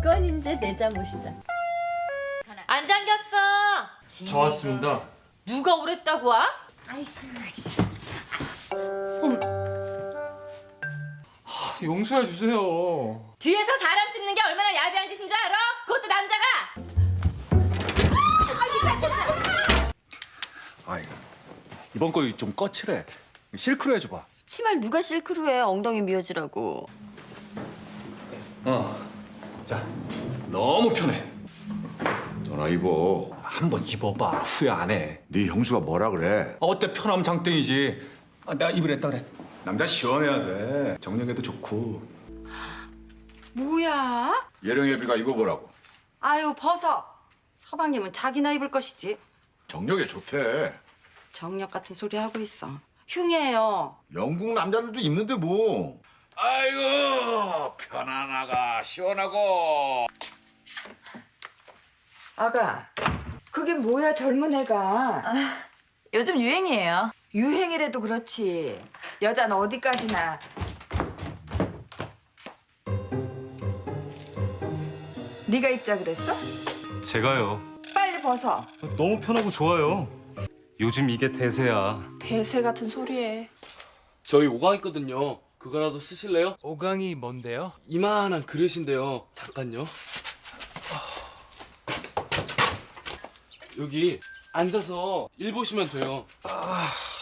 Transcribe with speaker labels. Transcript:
Speaker 1: 건인데 내 잠옷이다.
Speaker 2: 안 잠겼어.
Speaker 3: 저 왔습니다.
Speaker 2: 누가 오랬다고 와?
Speaker 3: 용서해 주세요.
Speaker 2: 뒤에서 사람 씹는 게 얼마나 야비한 짓인 줄 알아? 그것도 남자가.
Speaker 4: 아이고, 이번 거 좀 거칠해. 실크로 해줘봐.
Speaker 1: 치마를 누가 실크로 해? 엉덩이 미어지라고.
Speaker 4: 자, 너무 편해.
Speaker 5: 너나 입어.
Speaker 4: 한번 입어봐. 후회 안 해.
Speaker 5: 네 형수가 뭐라 그래?
Speaker 4: 어때 편하면 장땡이지. 내가 입으랬다 그래. 남자 시원해야 돼. 정력에도 좋고.
Speaker 6: 뭐야?
Speaker 5: 예령예비가 입어보라고.
Speaker 6: 아유 벗어. 서방님은 자기나 입을 것이지.
Speaker 5: 정력에 좋대.
Speaker 6: 정력 같은 소리 하고 있어. 흉해요.
Speaker 5: 영국 남자들도 입는데 뭐. 아이고 편안하가 시원하고.
Speaker 7: 아가, 그게 뭐야 젊은 애가.
Speaker 1: 요즘 유행이에요.
Speaker 7: 유행이라도 그렇지. 여자는 어디까지나. 네가 입자 그랬어?
Speaker 3: 제가요.
Speaker 7: 빨리 벗어.
Speaker 3: 너무 편하고 좋아요. 요즘 이게 대세야.
Speaker 8: 대세 같은 소리에.
Speaker 9: 저희 오강 있거든요. 그거라도 쓰실래요?
Speaker 3: 오강이 뭔데요?
Speaker 9: 이만한 그릇인데요. 잠깐요. 여기 앉아서 일 보시면 돼요.